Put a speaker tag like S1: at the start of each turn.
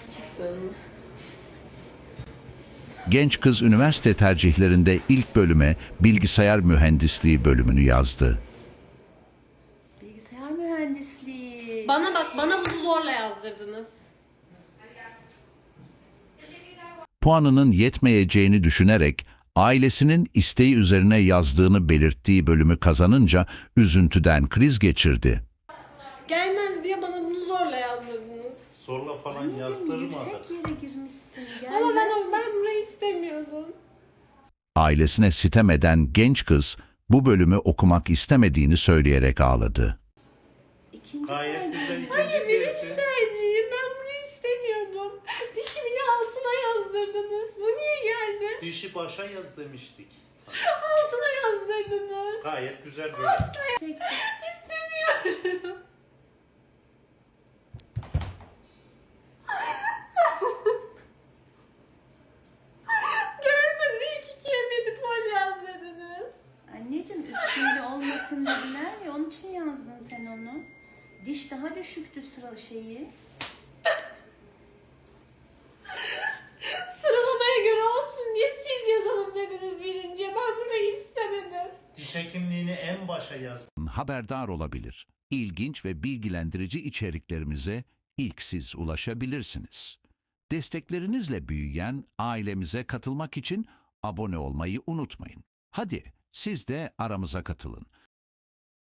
S1: Gerçekten mi?
S2: Genç kız üniversite tercihlerinde ilk bölüme bilgisayar mühendisliği bölümünü yazdı.
S3: Bilgisayar mühendisliği.
S1: Bana bak, bana bunu zorla yazdırdınız.
S2: Puanının yetmeyeceğini düşünerek ailesinin isteği üzerine yazdığını belirttiği bölümü kazanınca üzüntüden kriz geçirdi.
S1: Gelmez diye bana bunu zorla yazdırdınız.
S4: Zorla falan
S3: Anneciğim
S4: yazdırmadık.
S3: yüksek yere girmişsin.
S1: Ama
S3: Gelmez.
S1: ben burayı istemiyordum.
S2: Ailesine sitem eden genç kız bu bölümü okumak istemediğini söyleyerek ağladı.
S3: İkinci
S4: Gayet
S3: tercih.
S4: güzel
S1: Hayır,
S4: ikinci
S1: birinci
S4: tercih.
S1: tercihim. Ben burayı istemiyordum. Dişi bile altına yazdırdınız. Bu niye geldi?
S4: Dişi başa yaz demiştik. sana.
S1: Altına yazdırdınız.
S4: Gayet güzel böyle.
S3: Çekti.
S1: İstemiyorum. Gelmez. İlk ikiye medipol yazdırdınız.
S3: Anneciğim üstünde olmasın dediler ya, onun için yazdın sen onu. Diş daha düşüktü sıra şeyi.
S1: Sıralamaya göre olsun diye siz yazalım dediniz birinciye. Ben burayı istemedim.
S4: Diş hekimliğini en başa yaz.
S2: Haberdar olabilir. İlginç ve bilgilendirici içeriklerimize ilk siz ulaşabilirsiniz. Desteklerinizle büyüyen ailemize katılmak için abone olmayı unutmayın. Hadi siz de aramıza katılın.